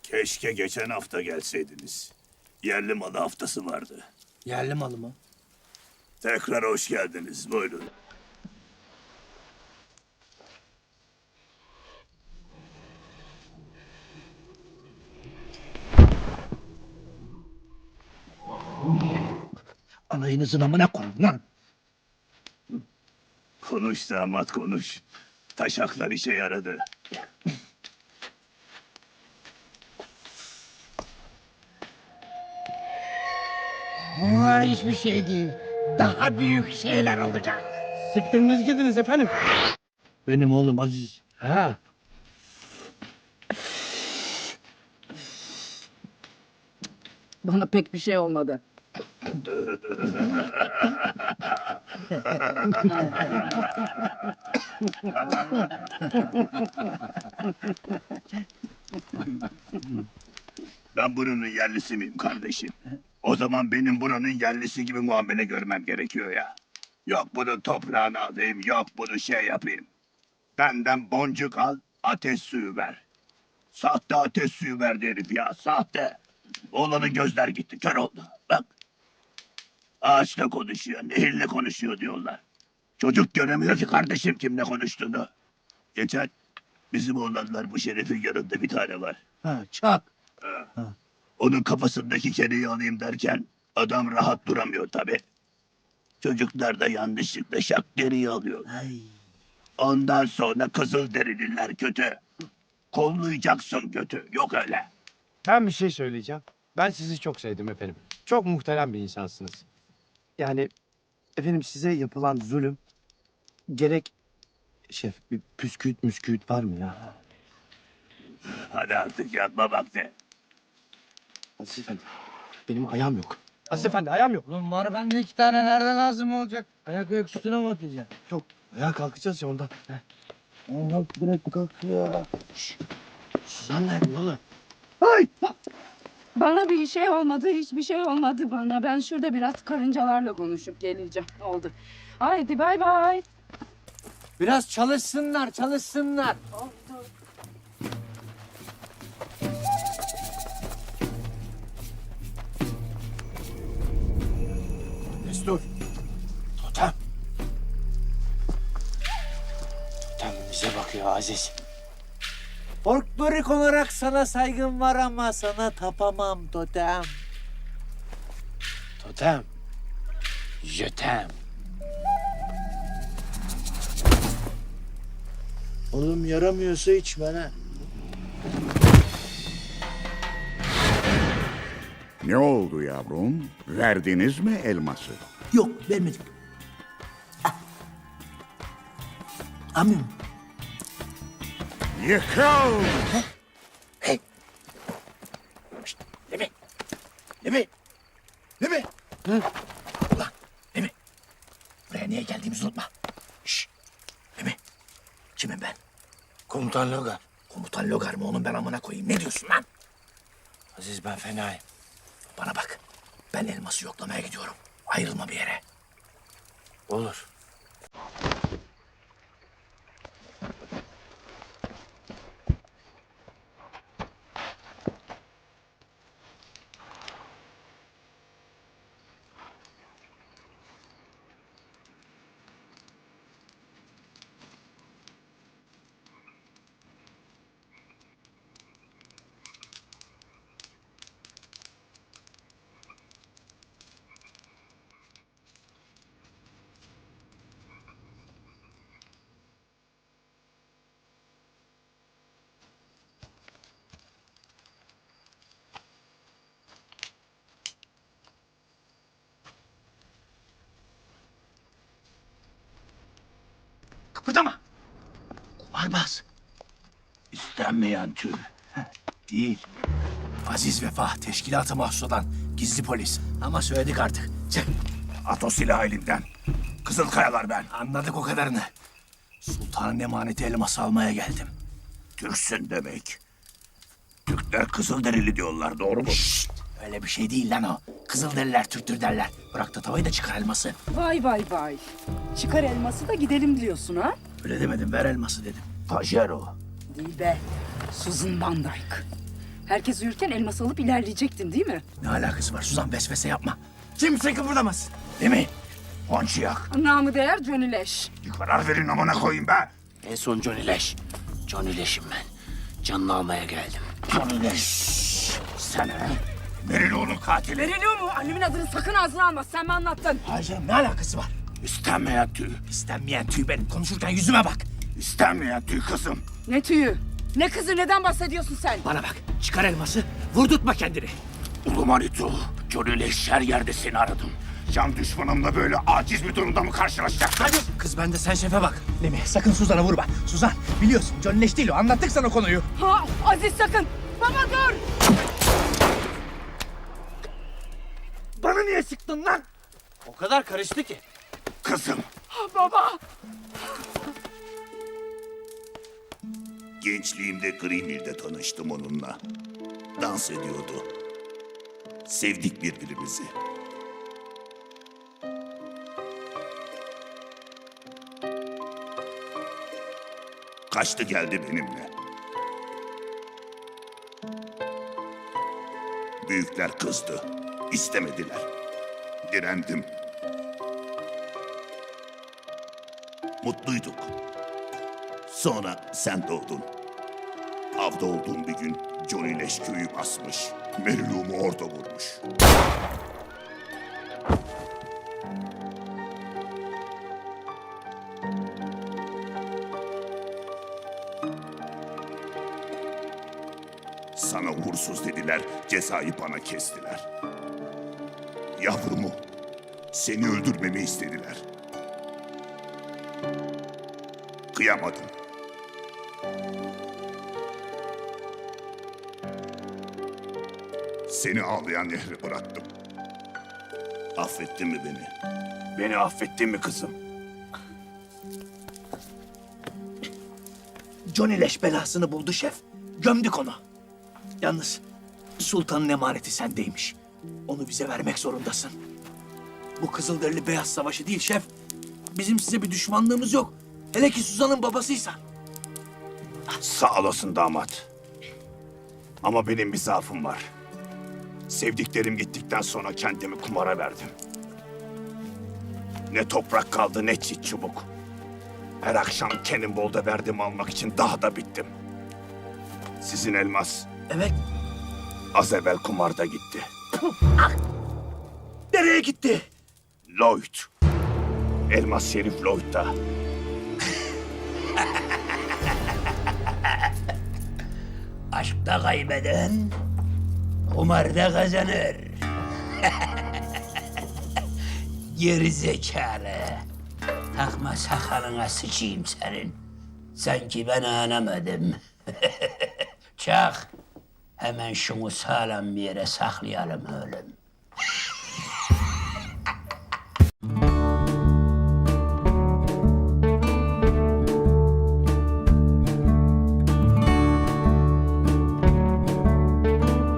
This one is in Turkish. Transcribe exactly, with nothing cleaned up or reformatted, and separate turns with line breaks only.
Keşke geçen hafta gelseydiniz. Yerli malı haftası vardı.
Yerli malı mı?
Tekrar hoş geldiniz. Buyurun.
Alayınızın amına koyun lan.
Konuş damat konuş. Taşaklar işe yaradı.
Bunlar hiçbir şey değil. Daha büyük şeyler olacak.
Siktiriniz gidiniz efendim.
Benim oğlum Aziz.
Ha.
Bana pek bir şey olmadı.
Ben buranın yerlisi miyim kardeşim? O zaman benim buranın yerlisi gibi muamele görmem gerekiyor ya. Yok bunun toprağını alayım, yok bunu şey yapayım. Benden boncuk al, ateş suyu ver. Sahte ateş suyu verdi herif ya, sahte. Oğlanın gözler gitti, kör oldu. Bak. Ağaçla konuşuyor, nehirle konuşuyor diyorlar. Çocuk göremiyor ki kardeşim kimle konuştuğunu. Geçen bizim oğlanlar bu şerefin yanında bir tane var.
Ha, çak.
Onun kafasındaki kereyi alayım derken adam rahat duramıyor tabi. Çocuklar da yanlışlıkla şak deriyi alıyor.
Ay.
Ondan sonra kızıl derililer kötü. Kollayacaksın kötü. Yok öyle.
Ben bir şey söyleyeceğim. Ben sizi çok sevdim efendim. Çok muhterem bir insansınız. Yani efendim size yapılan zulüm gerek şef bir püsküüt müsküüt var mı ya?
Hadi artık yatma vakti.
Aziz efendi benim ayağım yok. Aziz efendi ayağım yok.
Ulan var bende iki tane nereden lazım olacak? Ayak ayak üstüne mi atacaksın?
Yok ayağa kalkacağız ya ondan. Heh.
Allah direkt kalkıyor. Şşş. Suzan nerede oğlum?
Bana bir şey olmadı, hiçbir şey olmadı bana. Ben şurada biraz karıncalarla konuşup geleceğim. Oldu. Haydi bay bay.
Biraz çalışsınlar, çalışsınlar.
Destur. Totem. Totem bize bakıyor Aziz.
Folklorik olarak sana saygım var ama sana tapamam totem.
Totem. Jötem.
Oğlum yaramıyorsa içme ha.
Ne oldu yavrum? Verdiniz mi elması?
Yok vermedim. Ah. Amim.
Yıkıl!
Hey. Şşt, Lemi. Lemi. Lemi. Hı? Ulan Lemi. Buraya niye geldiğimizi unutma. Şşt. Lemi. Kimim ben?
Komutan Logar.
Komutan Logar mı onun ben amına koyayım? Ne diyorsun lan?
Aziz ben fenayım.
Bana bak. Ben elması yoklamaya gidiyorum. Ayrılma bir yere.
Olur.
Kıpırdama. Kumarbaz.
İstenmeyen tür.
Değil. Aziz Vefa teşkilata mahsus olan gizli polis. Ama söyledik artık. Çık.
At o silahı elimden. Kızılkayalar ben.
Anladık o kadarını. Sultanın emaneti elması almaya geldim.
Türksün demek. Türkler Kızılderili diyorlar doğru mu?
Şşt! Öyle bir şey değil lan o. Kızılderililer Türktür derler. Bırak da tavayı da çıkar elması.
Vay vay vay. Çıkar elması da gidelim diyorsun ha?
Öyle demedim ver elması dedim.
Tajer o.
Değil be. Susan Van Dyke. Herkes uyurken elması alıp ilerleyecektin değil mi?
Ne alakası var Suzan, vesvese yapma. Kimse kıpırdamasın. Değil mi?
Ponçiyak.
Namı değer Johnny Leş.
Bir karar verin amına koyayım be.
En son Johnny Leş. Johnny Leş'im ben. Canını almaya geldim. Johnny Leş.
Sen he? Meriloğlu'nun katili.
Veriliyor mu? Annemin adını sakın ağzına alma. Sen mi anlattın?
Hayır canım, ne alakası var?
İstenmeyen tüy.
İstenmeyen tüy benim. Konuşurken yüzüme bak.
İstenmeyen tüy kızım.
Ne tüyü? Ne kızı? Neden bahsediyorsun sen?
Bana bak. Çıkar elması. Vurdurtma kendini.
Ulu Manitu, Johnny Leş her yerde seni aradım. Can düşmanımla böyle aciz bir durumda mı karşılaşacaksın?
Hadi. Kız ben de sen şefe bak. Değil mi? Sakın Suzan'a vurma. Suzan biliyorsun Johnny Leş değil o. Anlattık sana konuyu.
Ha, Aziz sakın. Baba dur.
Bana niye sıktın lan?
O kadar karıştı ki.
Kızım.
Baba.
Gençliğimde Greenville'de tanıştım onunla. Dans ediyordu. Sevdik birbirimizi. Kaçtı geldi benimle. Büyükler kızdı. İstemediler. Direndim. Mutluyduk. Sonra sen doğdun. Avda olduğum bir gün Johnny Leş köyü basmış. Meriluğumu orada vurmuş. Sana uğursuz dediler, cezayı bana kestiler. Yavrumu, seni öldürmemi istediler. Kıyamadım. Seni ağlayan nehre bıraktım. Affettin mi beni? Beni affettin mi kızım?
Johnny Leş belasını buldu şef. Gömdük onu. Yalnız sultanın emaneti sendeymiş. Onu bize vermek zorundasın. Bu Kızılderili Beyaz Savaşı değil şef. Bizim size bir düşmanlığımız yok. Hele ki Suzan'ın babasıysan.
Sağ olasın damat. Ama benim bir zaafım var. Sevdiklerim gittikten sonra kendimi kumara verdim. Ne toprak kaldı ne çit çubuk. Her akşam Cannonball'da verdiğimi almak için daha da bittim. Sizin elmas
Evet.
az evvel kumarda gitti.
Nereye gitti?
Lloyd. Elmas Şerif Lloyd'da.
Aşkta kaybeden kumarda kazanır. Geri zekalı. Takma sakalına sıçayım senin. Sanki ben anlamadım. Çak. Hemen şunu sağlam bir yere saklayalım oğlum.